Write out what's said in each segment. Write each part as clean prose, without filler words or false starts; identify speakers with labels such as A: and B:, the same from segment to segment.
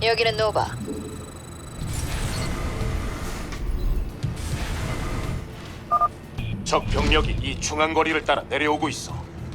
A: 여기는 노바.
B: 적 병력이 이 중앙거리를 따라 내려오고 있어.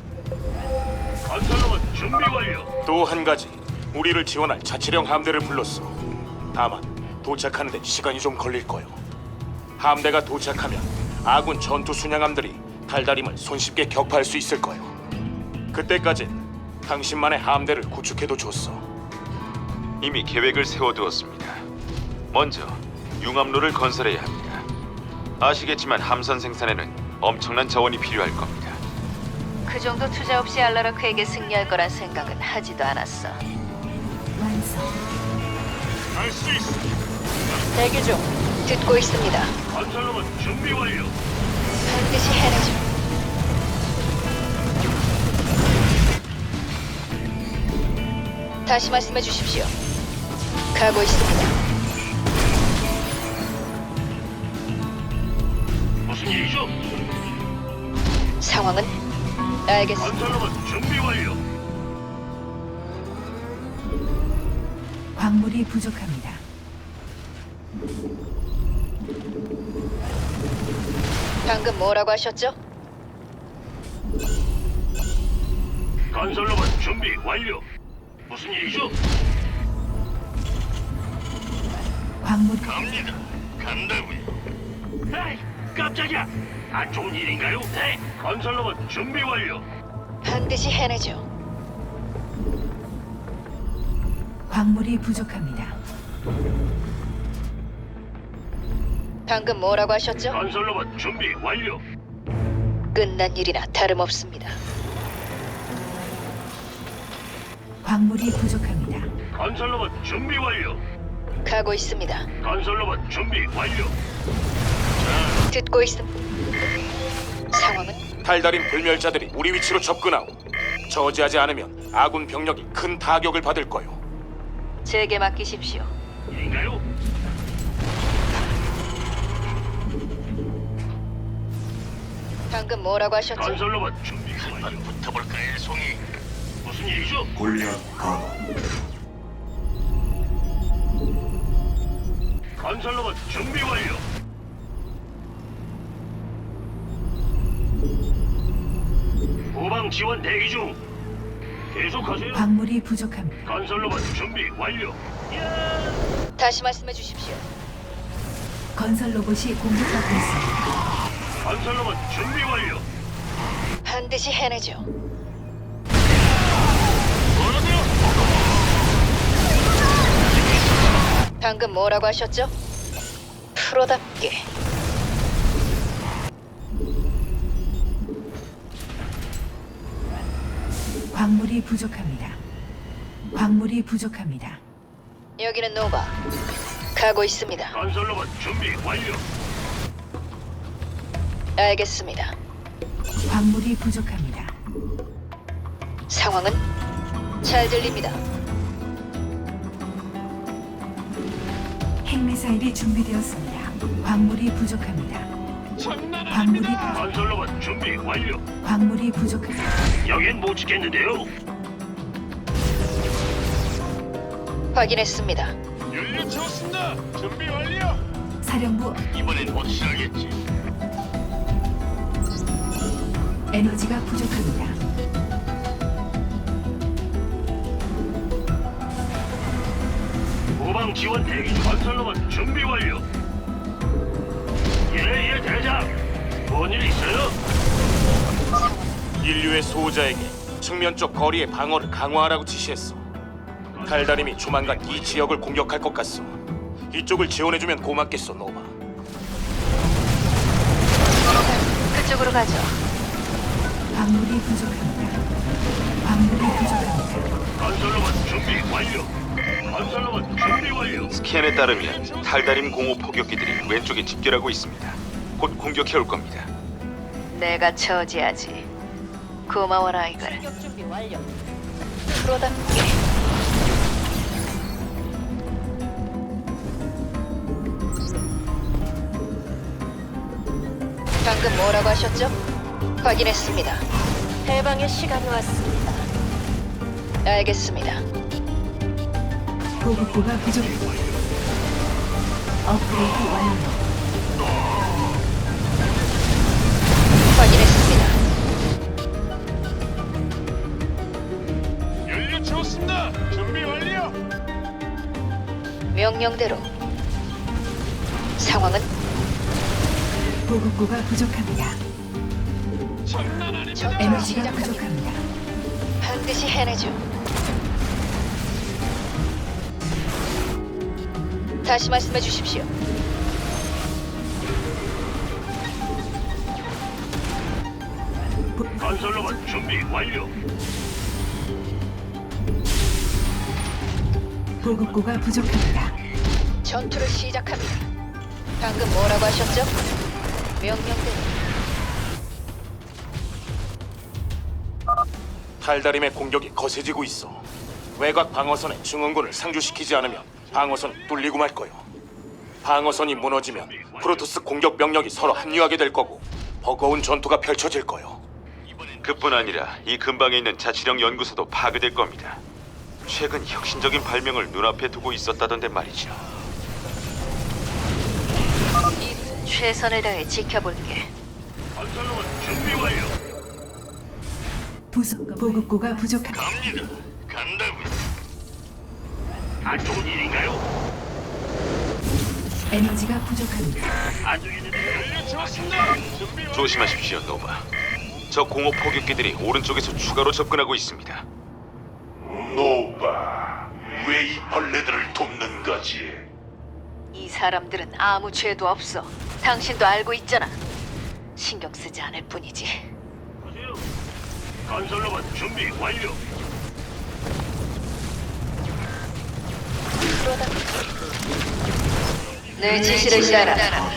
C: 건설로봇 준비 완료.
B: 또 한 가지, 우리를 지원할 자치령 함대를 불렀어. 다만 도착하는 데 시간이 좀 걸릴 거요. 함대가 도착하면 아군 전투 순양함들이 달다림을 손쉽게 격파할 수 있을 거요. 그때까진 당신만의 함대를 구축해도 좋소.
D: 이미 계획을 세워두었습니다. 먼저 융합로를 건설해야 합니다. 아시겠지만 함선 생산에는 엄청난 자원이 필요할 겁니다.
A: 그 정도 투자 없이 알라라크에게 승리할 거란 생각은 하지도 않았어.
E: 완성.
C: 할 수 있어.
A: 대기 중. 듣고 있습니다.
C: 건설로봇 준비 완료.
A: 반드시 해내죠. 다시 말씀해 주십시오. 가고 있습니다.
C: 무슨 일이죠?
A: 상황은? 알겠습니다.
C: 건설로봇 준비 완료.
E: 광물이 부족합니다.
A: 방금 뭐라고 하셨죠?
C: 건설로봇 준비 완료. 무슨 일이죠?
E: 광물이
C: 갑니다. 간다고요. 에이, 깜짝이야. 안 좋은 일인가요? 네. 건설로봇 준비 완료.
A: 반드시 해내죠.
E: 광물이 부족합니다.
A: 방금 뭐라고 하셨죠?
C: 건설로봇 준비 완료.
A: 끝난 일이나 다름없습니다.
E: 광물이 부족합니다.
C: 건설로봇 준비 완료.
A: 가고 있습니다.
C: 건설로봇 준비 완료.
A: 듣고 있습니다. 상황은?
B: 달다림 불멸자들이 우리 위치로 접근하고 저지하지 않으면 아군 병력이 큰 타격을 받을 거요.
A: 제게 맡기십시오.
C: 일인가요?
A: 방금 뭐라고 하셨죠?
C: 건설로봇 준비 한번 붙어볼까요, 송이? 무슨 일이죠? 건설로봇 준비 완료. 후방 지원 대기 중. 계속하세요.
E: 광물이 부족합니다.
C: 건설로봇 준비 완료.
A: 다시 말씀해 주십시오.
E: 건설 로봇이 공격받고 있습니다.
C: 건설로봇 준비 완료.
A: 반드시 해내죠. 방금 뭐라고 하셨죠? 프로답게.
E: 광물이 부족합니다. 광물이 부족합니다.
A: 여기는 노바. 가고 있습니다.
C: 건설로봇 준비 완료.
A: 알겠습니다.
E: 광물이 부족합니다.
A: 상황은? 잘 들립니다.
E: 핵미사일이 준비되었습니다. 광물이 부족합니다. 광물이
C: 건설로봇 준비 완료.
E: 광물이 부족합니다.
C: 여긴 못 지켰는데요.
A: 확인했습니다.
C: 연료 채웠습니다. 준비 완료.
E: 사령부
C: 이번엔 확실하겠지.
E: 에너지가 부족합니다.
C: 후방 지원 대기 중. 건설로봇 준비 완료. 예, 대장. 뭔 일 있어요?
B: 인류의 수호자에게 측면 쪽 거리의 방어를 강화하라고 지시했어. 달다림이 조만간 이 지역을 공격할 것 같소. 이쪽을 지원해주면 고맙겠소, 노바.
A: 그쪽으로 가죠.
E: 광물이 부족합니다. 광물이 부족합니다.
C: 건설로봇 준비 완료. 건설로봇 준비 완료.
D: 스캔에 따르면 달다림 공호 포격기들이 왼쪽에 집결하고 있습니다. 곧 공격해 올 겁니다.
A: 내가 처지하지. 고마워라 이걸. 프로답게. 방금 뭐라고 하셨죠? 확인했습니다. 해방의 시간이 왔습니다. 알겠습니다.
E: 보급고가 부족합니다. 업그레이드 완료.
A: 확인했습니다.
C: 연료 채웠습니다. 준비 완료.
A: 명령대로. 상황은
E: 보급고가 부족합니다.
C: 장난 아닙니다.
A: 전투를
E: 에너지가
A: 시작합니다.
E: 부족합니다.
A: 반드시 해내죠. 다시 말씀해 주십시오.
C: 건설로봇 준비 완료.
E: 보급고가 부족합니다.
A: 전투를 시작합니다. 방금 뭐라고 하셨죠? 명령대로.
B: 탈다림의 공격이 거세지고 있어. 외곽 방어선에 증원군을 상주시키지 않으면 방어선이 뚫리고 말 거요. 방어선이 무너지면 프로토스 공격 병력이 서로 합류하게 될 거고 버거운 전투가 펼쳐질 거요.
D: 그뿐 아니라 이 근방에 있는 자치령 연구소도 파괴될 겁니다. 최근 혁신적인 발명을 눈앞에 두고 있었다던데 말이죠.
A: 최선을 다해 지켜볼게.
C: 건설로봇 준비 완료.
E: 보급고가 부족합니다.
C: 갑니다. 간다고요. 안 좋은 일인가요?
E: 에너지가 부족합니다.
C: 아주 연료 채웠습니다. 준비 완료.
D: 조심하십시오, 노바. 저 공업 포격기들이 오른쪽에서 추가로 접근하고 있습니다.
C: 노바, 왜 이 벌레들을 돕는 거지?
A: 이 사람들은 아무 죄도 없어. 당신도 알고 있잖아. 신경 쓰지 않을 뿐이지.
C: 건설로봇 준비 완료.
A: 내 지시를 따라.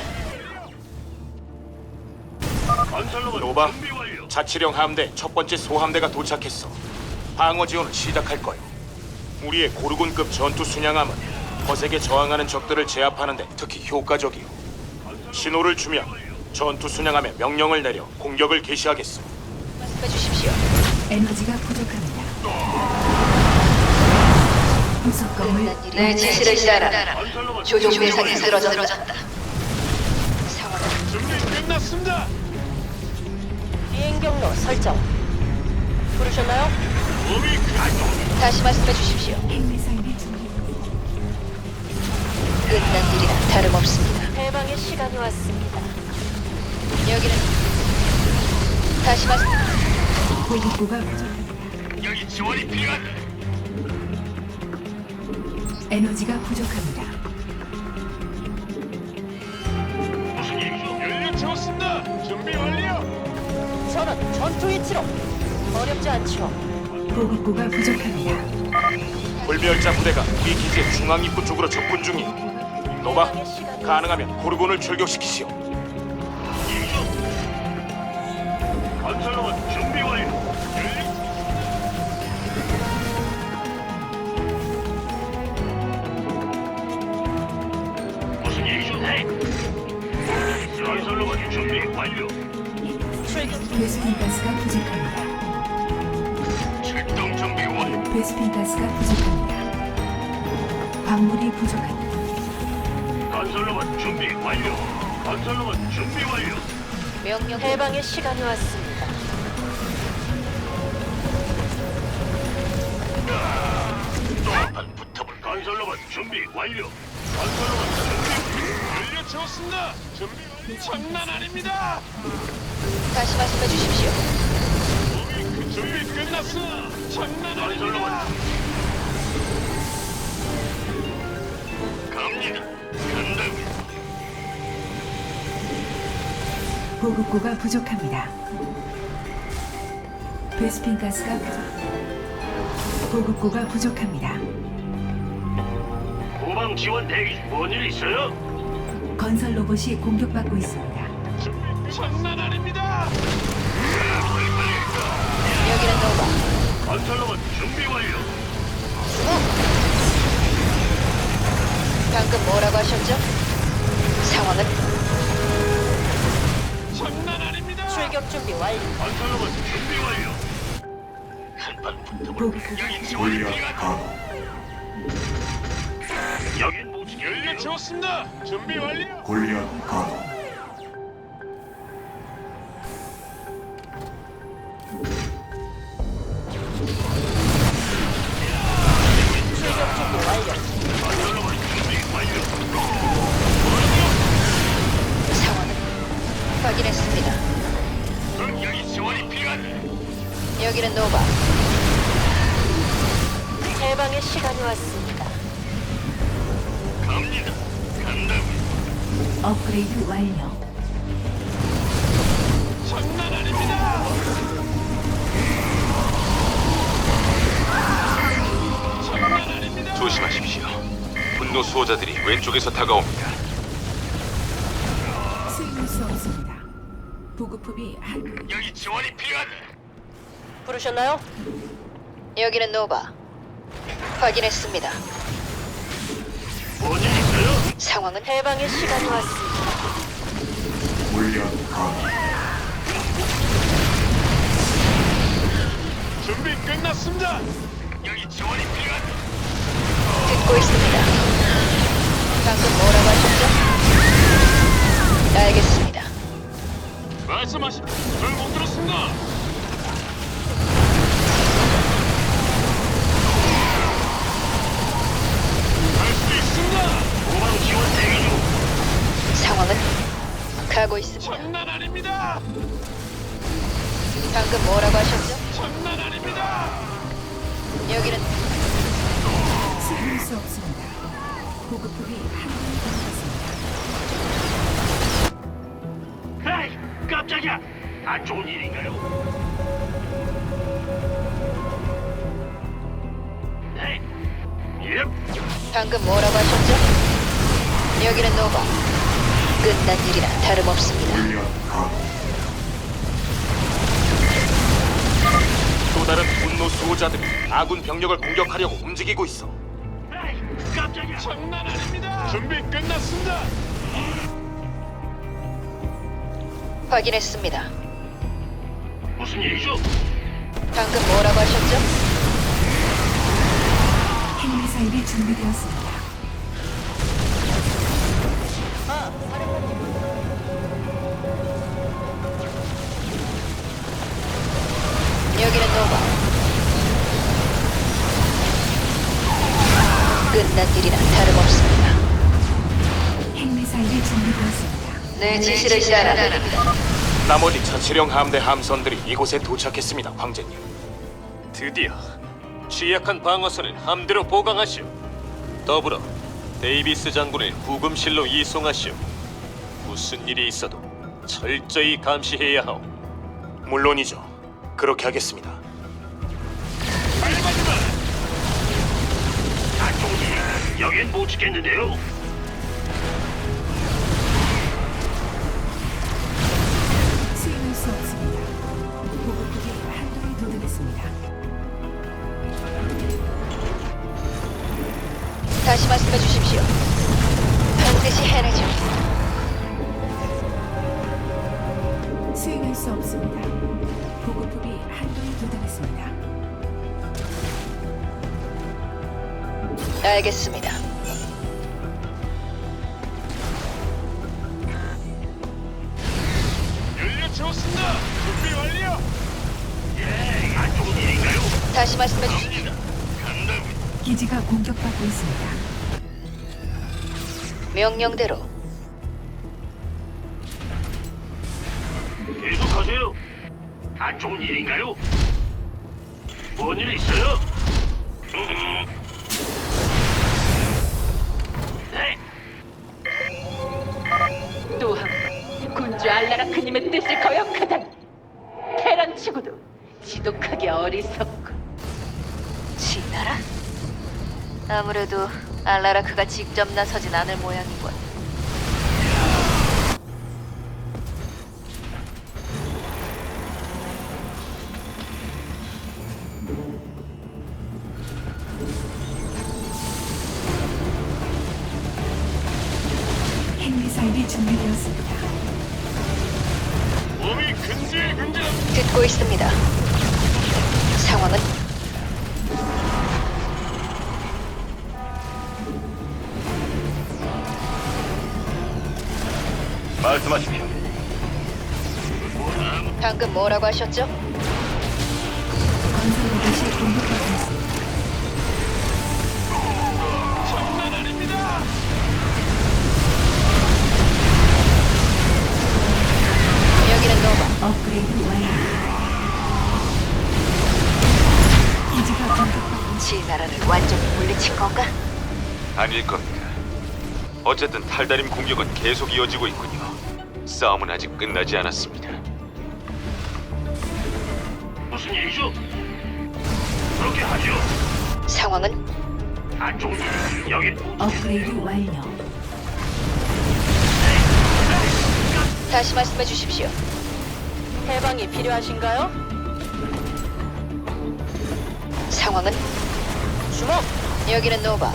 C: 건설로봇
B: 노바,
C: 준비 완료.
B: 자치령 함대 첫 번째 소함대가 도착했어. 방어 지원을 시작할 거요. 우리의 고르곤급 전투 순양함은 거세게 저항하는 적들을 제압하는데 특히 효과적이요. 신호를 주면 전투 순양함에 명령을 내려 공격을 개시하겠어.
A: 말씀해 주십시오.
E: 에너지가 부족합니다. 부속 건물
A: 내 지시를 따라.
C: 건설로봇
A: 조종 대상이 쓰러졌다. 상황은
C: 준비 끝났습니다.
A: 비행 경로 설정. 부르셨나요?
C: 몸이 가동.
A: 다시 말씀해 주십시오.
E: 핵미사일이 준비.
A: 끝난 일이나 다름없습니다.
F: 해방의 시간이 왔습니다.
A: 여기는 다시 말씀.
E: 보급고가 부족합니다.
C: 여기 지원이 필요하다.
E: 에너지가 부족합니다.
C: 무슨 일이죠? 연료 채웠습니다. 준비 완료.
F: 저는 전투 위치로. 어렵지 않죠.
E: 보급고가 부족합니다.
B: 불멸자 부대가 우리 기지의 중앙 입구 쪽으로 접근 중이. 노바, 가능하면 고르곤을 출격시키시오.
C: 건설로봇 준비 완료. 무슨 일이죠? 네. 건설로봇 준비 완료.
E: 베스핀 가스가 부족합니다.
C: 출동 준비 완료.
E: 베스핀 가스가 부족합니다. 광물이 부족합니다.
C: 건설로봇 준비 완료. 건설로봇 준비 완료.
A: 명령
F: 해방의 시간이 왔습니다.
C: 또한 붙어볼. 건설로봇 준비 완료. 건설로봇 준비. 연료 채웠습니다. 준비 완료. 장난 아닙니다.
A: 다시 말씀해 주십시오.
C: 준비 끝났어. 장난 아닙니다. 갑니다. 간다고요.
E: 보급고가 부족합니다. 베스핀 가스가 보급고가 부족합니다.
C: 후방 지원 대기. 뭔일 있어요?
E: 건설 로봇이 공격받고 있습니다.
C: 장난 아닙니다.
A: 여기는 노바.
C: 건설로봇 준비 완료.
A: 방금 뭐라고 하셨죠? 상황은
C: 장난 아닙니다.
F: 출격 준비 완료.
C: 건설로봇 준비 완료. 한판 붙어볼.
E: 보급고가
C: 여기 지원이 필요하다. 여긴 못 지켰네요.
B: 채웠습니다. 준비 완료.
G: 골리앗 가동.
F: 출격 준비 완료.
C: 건설로봇 준비 완료.
A: 상황은 확인했습니다.
C: 그럼 여기 지원이 필요하네.
A: 여기는 노바.
F: 해방의 시간이 왔습니다.
C: 갑니다. 간다고요.
E: 업그레이드 완료.
B: 장난 아닙니다. 장난 아닙니다.
D: 조심하십시오. 분노 수호자들이 왼쪽에서 다가옵니다.
E: 수행할 수 없습니다. 보급품이 한
C: 여기 지원이 필요하네.
F: 부르셨나요?
A: 여기는 노바. 확인했습니다.
C: 뭔일 있어요?
A: 상황은
F: 해방의 시간이 왔습니다.
G: 골리앗 가동.
B: 준비 끝났습니다.
C: 여기 지원이 필요하네.
A: 듣고 있습니다. 방금 뭐라고 하셨죠? 알겠습니다.
B: 말씀하십시오. 잘못 들었습니다. 할 수 있습니다.
C: 후방 지원 대기 중.
A: 상황은 가고 있습니다.
B: 장난 아닙니다.
A: 방금 뭐라고 하셨죠?
B: 장난 아닙니다.
A: 여기는
E: 수행할 수 없습니다. 보급품이 한번더 들어갔습니다.
C: 에이, 깜짝이야. 안 좋은 일인가요? 네. 예.
A: 방금 뭐라고 하셨죠? 여기는 노바. 끝난 일이나 다름없습니다.
G: 골리앗 가동.
B: 또 다른 분노 수호자들이 아군 병력을 공격하려고 움직이고 있어.
C: 에이, 깜짝이야.
B: 장난 아닙니다. 준비 끝났습니다.
A: 확인했습니다.
C: 무슨 일이죠?
A: 방금 뭐라고 하셨죠?
E: 핵미사일이 준비되었습니다.
F: 아, 사령관님.
A: 여기는 노바. 끝난 일이나 다름없습니다.
E: 핵미사일이 준비되었습니다.
A: 내 지시를 따라.
B: 나머지 자치령 함대 함선들이 이곳에 도착했습니다, 황제님. 드디어 취약한 방어선을 함대로 보강하시오. 더불어 데이비스 장군을 구금실로 이송하시오. 무슨 일이 있어도 철저히 감시해야 하오. 물론이죠. 그렇게 하겠습니다.
C: 빨리 마. 안 좋은 일인가? 여긴 못 지켰는데요.
E: 수행할 수 없습니다. 보급품이 한도에 도달했습니다.
A: 다시 말씀해 주십시오. 반드시 해내죠.
E: 수행할 수 없습니다. 보급품이 한도에 도달했습니다.
A: 알겠습니다.
B: 연료 채웠습니다. 준비 완료.
C: 예, 안 좋은 일인가요?
A: 다시 말씀해 주십시오.
C: 갑니다. 간다고요.
E: 기지가 공격받고 있습니다.
A: 명령대로
C: 계속하세요. 안 좋은 일인가요? 뭔 일 있어요? 네.
H: 또한 군주 알라라크님의 뜻을 거역하다니 테란치고도 지독하게 어리석고
A: 진나라? 아무래도 알라라크가 직접 나서진 않을 모양이군.
E: 핵미사일이 준비되었습니다.
B: 몸이 근질근질.
A: 듣고 있습니다. 상황은
C: 말씀하십시오.
A: 방금 뭐라고 하셨죠?
E: 건설 로봇이 공격받고 있습니다.
A: 여기는 노바.
E: 업그레이드 완료. 기지가 공격받고
A: 진나라를 완전히 물리친 건가?
D: 아닐 겁니다. 어쨌든 탈다림 공격은 계속 이어지고 있군요. 싸움은 아직 끝나지 않았습니다.
C: 무슨 일이죠? 그렇게 하죠.
A: 상황은
C: 안 좋은 일 여기
E: 업그레이드 완료.
A: 다시 말씀해 주십시오.
F: 해방이 필요하신가요?
A: 상황은
F: 주목!
A: 여기는 노바.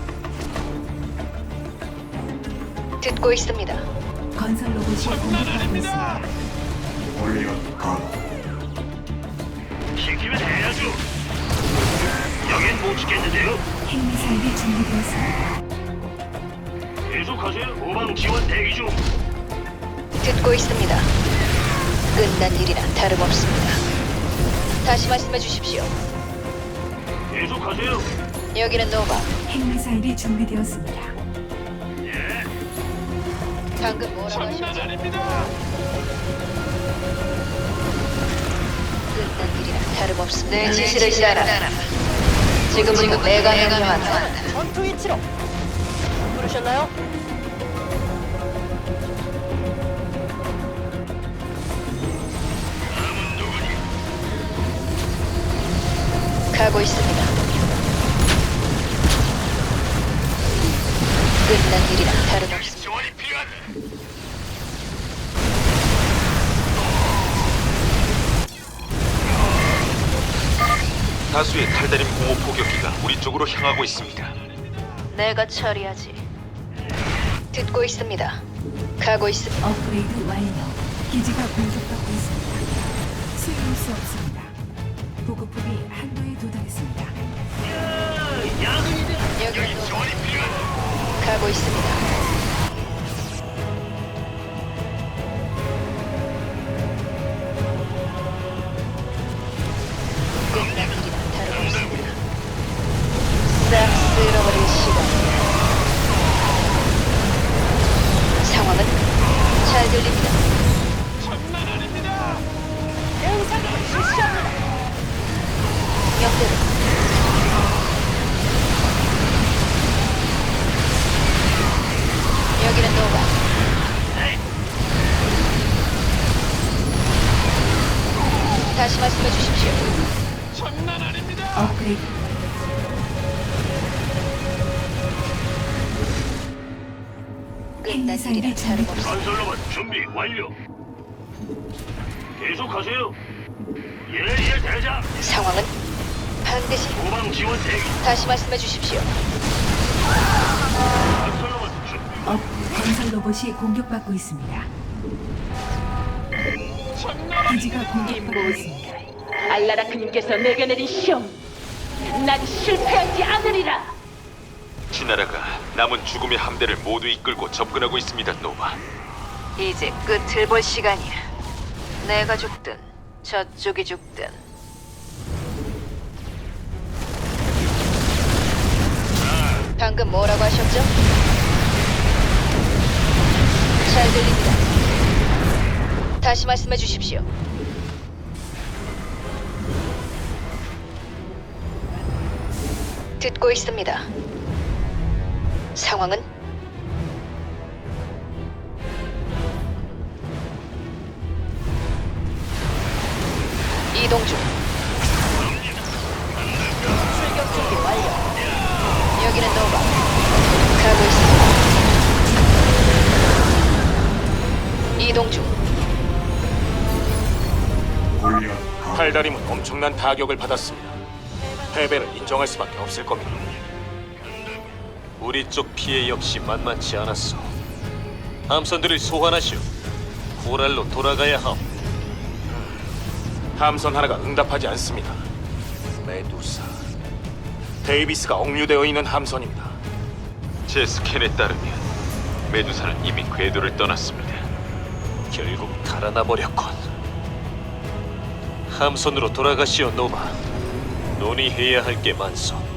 A: 듣고 있습니다.
E: 건설 로봇이 공격받고 있습니다.
G: 골리앗 가도
C: 시키면 해야죠. 여긴 못 지켰는데요.
E: 핵미사일이 준비되었습니다.
C: 계속하세요. 후방 지원 대기 중.
A: 듣고 있습니다. 끝난 일이나 다름없습니다. 다시 말씀해 주십시오.
C: 계속하세요.
A: 여기는 노바.
E: 핵미사일이 준비되었습니다.
C: 예.
A: 방금 뭐라고 하셨죠? 끝난 일이나 다름없습니다. 내 지시를 따라. 지금 내가 명령한다.
F: 전투 위치로! 부르셨나요?
A: 가고 있습니다. 끝난 일이나 다름없습니다.
C: 지원이 필요하다.
D: 다수의 탈다림 공호 포격기가 우리 쪽으로 향하고 있습니다.
A: 내가 처리하지. 듣고 있습니다. 가고 있습니다.
E: 업그레이드 완료. 기지가 공격받고 있습니다. 수용할 수 없습니다. 보급품이 한도에 도달했습니다.
A: 여기는 노바. 가고 있습니다. 끝난 일이나 다름없습니다. 싹 쓸어버릴 시간이야. 상황은 잘 들립니다.
F: 대응사격을 실시합니다!
A: 명대로. 여기는 노바. 다시 말씀해 주십시오.
E: 업그레이드
A: 끝난 일이나 다름없습니다.
C: 건설로봇 준비 완료. 계속하세요. 예, 대장.
A: 상황은 반드시
C: 후방 지원 대기.
A: 다시 말씀해 주십시오.
C: 건설로봇 준비.
E: 건설 로봇이 공격받고 있습니다. 기지가 공격받고 있습니다.
H: 알라라크님께서 내게 내린 시험. 난 실패하지 않으리라.
D: 지나라가 남은 죽음의 함대를 모두 이끌고 접근하고 있습니다, 노바.
A: 이제 끝을 볼 시간이야. 내가 죽든 저쪽이 죽든. 방금 뭐라고 하셨죠? 잘 들립니다. 다시 말씀해 주십시오. 듣고 있습니다. 상황은 이동 중.
F: 출격 준비 완료!
A: 여기는 노바. 가고 있습니다. 이동 중.
G: 골리앗 가도
B: 탈다림은 엄청난 타격을 받았습니다. 패배를 인정할 수밖에 없을 겁니다.
I: 우리 쪽 피해 역시 만만치 않았어. 함선들을 소환하시오. 코랄로 돌아가야 함.
B: 함선 하나가 응답하지 않습니다. 메두사. 데이비스가 억류되어 있는 함선입니다.
D: 제 스캔에 따르면 메두사는 이미 궤도를 떠났습니다.
I: 결국 달아나 버렸군. 함선으로 돌아가시오, 노바. 논의해야 할 게 많소.